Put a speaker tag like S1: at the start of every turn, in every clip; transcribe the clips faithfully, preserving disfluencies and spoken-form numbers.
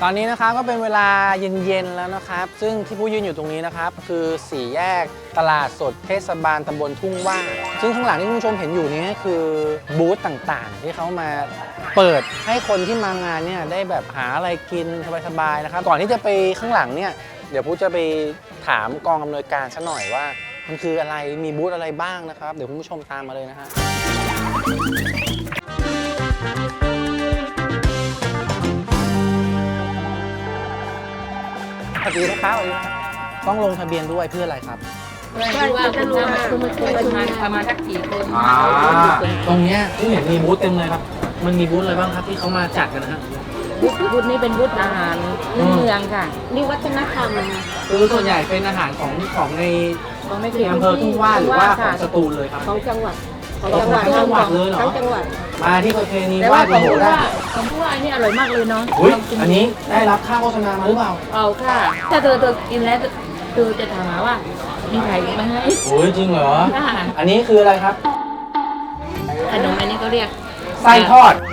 S1: ตอนนี้นะครับก็เป็นเวลาเย็นๆแล้วนะครับซึ่งที่ผู้ยืนอยู่ตรงนี้นะครับคือสี่แยกตลาดสดเทศบาลตำบลทุ่งว่าซึ่งข้างหลังที่คุณผู้ชมเห็นอยู่นี้คือบูธต่างๆที่เขามาเปิดให้คนที่มางานเนี่ยได้แบบหาอะไรกินสบายๆนะครับก่อนที่จะไปข้างหลังเนี่ยเดี๋ยวผู้จะไปถามกองอำนวยการซะหน่อยว่ามันคืออะไรมีบูธอะไรบ้างนะครับเดี๋ยวคุณผู้ชมตามมาเลยนะฮะสวัสดีนะครับต้องลงทะเบียนด้วยเพื่ออะไรครับ
S2: เพื่อที่ว่าคุณจะมาคุณมาช่วยประมาณประมาณสักกี่คน
S1: ตรงนี้ที่เห็นมีบูธเต็มเลยครับมันมีบูธอะไรบ้างครับที่เขามาจัดกันนะฮะ
S2: บูธนี้เป็นบูธอาหารพื้นเมืองค่ะนี่วัฒนธรรม
S1: คือส่วนใหญ่เป็นอาหารของของใน
S2: ของใน
S1: อำเภอทุ่งว่าหรือว่าของสตูลเลยครับ
S2: ของจังหวัด
S1: ของจังหวัดจังหวัดเลยเหรอ
S2: ทั้งจังหวัด
S1: มาที่ประเพณี
S2: ว่าของผู้ว่าของผู้ว่านี่อร่อยมากเลยเนาะ
S1: อันนี้ได้รับค่าโฆษณามาหรือเปล่า
S2: เอาค่ะถ้าเธอเธอกินแล้วเธอจะถามว่ามีใครมาให้
S1: โอ้ยจริงเหรออันนี้คืออะไรครับ
S2: ขนมอันนี้ก็เรียก
S1: ไส้ทอด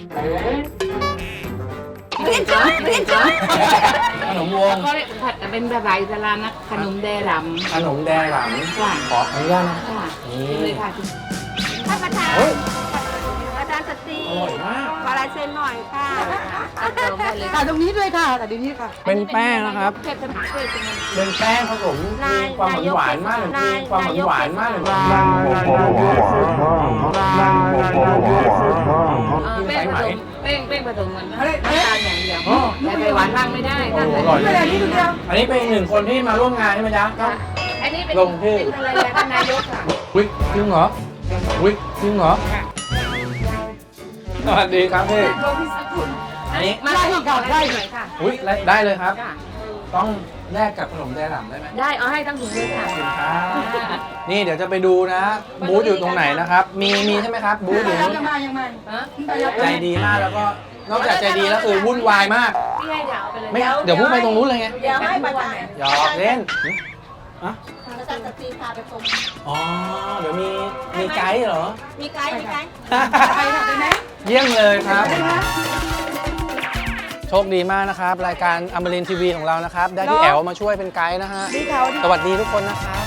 S2: เรียนจ้าเรียนจ้า
S1: ขนมวง
S2: ก็เรียกผัดเป็นภาษาอิสลามนะขนมแดหลำ
S1: ขนมแดหลำขออนุญาตนะ
S2: นี่เลยค่ะท่านประธานอาจารย์สตรี
S1: อร่อยมาก
S2: ขอลายเซ็นหน่อยค่ะ
S3: ค่ะตรงนี้ด้วยค่ะแต่เดี๋ยวนี้ค่ะ
S1: เป็นแป้งนะครับเป็นแป้งผสมมีความหวานมากเลยมีความหวานมากเลย
S2: แป้งผสมแป้งแป้งผสมเหมือนน้ำตาลอย่างเดียวแต่ไปหวานมากไม่ได้ถ้าใส่
S1: ไม่ได้นี่เดียวอันนี้เป็นหนึ่งคนที่มาร่วมงานใช่ไหมจ๊ะ
S2: อันนี้เป็น
S1: ลงที่
S2: เป็นภรรยาท่านนายกค่ะ
S1: อุ๊ยจริงเหรออุ๊ยจริงเหรอสวัสดีครับพี่
S2: อันนี้มาได้ก่อนได้หน่อยค่ะ
S1: อุ๊ยได้เลยครับต้องแลกกับขนมแดหลำได้ไหม
S2: ได้เอาให้ทั้งถุงเลยค่ะ
S1: นี่เดี๋ยวจะไปดูนะบูธอยู่ตรงไหนนะครับมีมีใช่ไหมครับบูธอยู่
S3: ยังมายังมา
S1: ใจดีมากแล้วก็นอกจากใจดีแล้วคือวุ่นวายมาก
S2: พี่ให้เดี๋ยวไปเลย
S1: ไม่เดี๋ยวพูดไปตรงนู้นเลยไง
S3: เดี๋ยวให้ประธาน
S1: หยอกเล่น
S3: อะอาจารย์สตรีพาไปชม
S1: อ๋อเดี๋ยวมีมีไกด์เหรอ
S3: มีไกด์มีไกด์
S1: ไปค่ะไหมเยี่ยมเลยครับโชคดีมากนะครับรายการอมรินทร์ทีวีของเรานะครับได้พี่แอ๋วมาช่วยเป็นไกด์นะฮะสวัสดีทุกคนนะครับ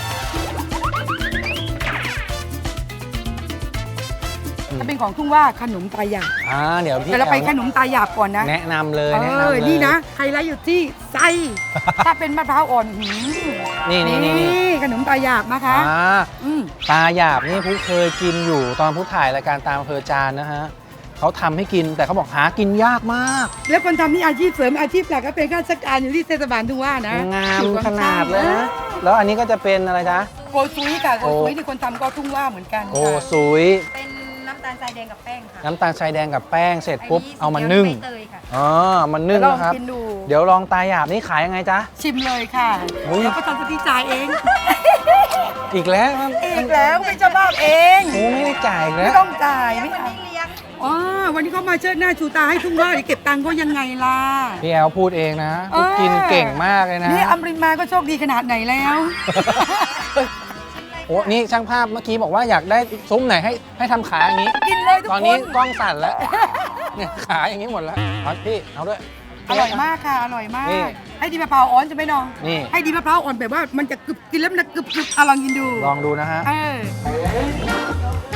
S3: จะเป็นของทุ่งว่าขนมตาหยาบ
S1: อ่าเดี๋ยวพี่
S3: แต่เราไปขนมตาหยาบก่อนนะ
S1: แนะนำเลย
S3: แนะนำเลยนี่นะไฮไลท์อยู่ที่ไส้ถ้าเป็นมะพร้าวอ่อนหืม
S1: นี่นี่นี่
S3: ขนมตาหยาบนะคะ
S1: ตาหยาบนี่ผู้เคยกินอยู่ตอนผู้ถ่ายรายการตามอำเภอจานนะฮะเขาทำให้กินแต่เขาบอกหากินยากมาก
S3: แล้วคนทำนี่อาชีพเสริมอาชีพหลักก็เป็นข้าราชการอยู่ที่เทศบาลทุ่งว่านะ
S1: งามขนาดเลยนะแล้วอันนี้ก็จะเป็นอะไรจ๊ะ
S3: โกซุยค่ะโกซุยที่คนทำก็ทุ่งว่าเหมือนกัน
S1: โกซุย
S3: เป็นน้ำตาลทรายแดงกับแป้งค่ะ
S1: น้ำตาลทรายแดงกับแป้งเสร็จปุ๊บเอามานึ่งอ๋อมันนึ่งนะครับเดี๋ยวลองตาหยาบนี่ขายยังไงจ๊ะ
S3: ชิมเลยค่ะแล้วก็ทำสติจ่ายเอง
S1: อีกแล้ว
S3: อีกแล้วไม่จะบ้าเอง
S1: โอ้ไม่ได้จ่ายแล้ว
S3: ไม่ต้องจ่ายไม่เอาอ๋อวันนี้เขามาเชิดหน้าชูตาให้ทุ่งว่าเก็บตังค์เขายังไงล่ะ
S1: พี่แอลพูดเองนะกินเก่งมากเลยนะ
S3: นี่อมรินมาก็โชคดีขนาดไหนแล้ว
S1: โอ้นี่ช่างภาพเมื่อกี้บอกว่าอยากได้ซุ้มไหนให้ให้ทำขาอย่างนี้
S3: กินเลยทุกคน
S1: ตอนนี้กล้องสั่นแล้วเนี่ยขาอย่างนี้หมดแล้วพี่เอาด้วย
S3: อร่อยมากค่ะอร่อยมากให้ดีมะพร้าวอ่อนจะไหมน้อง
S1: นี่
S3: ให้ดีมะพร้าวอ่อนแบบว่ามันจะกรึบกินแล้วมันจะกรึบกรึบลองกินดู
S1: ลองดูนะฮะ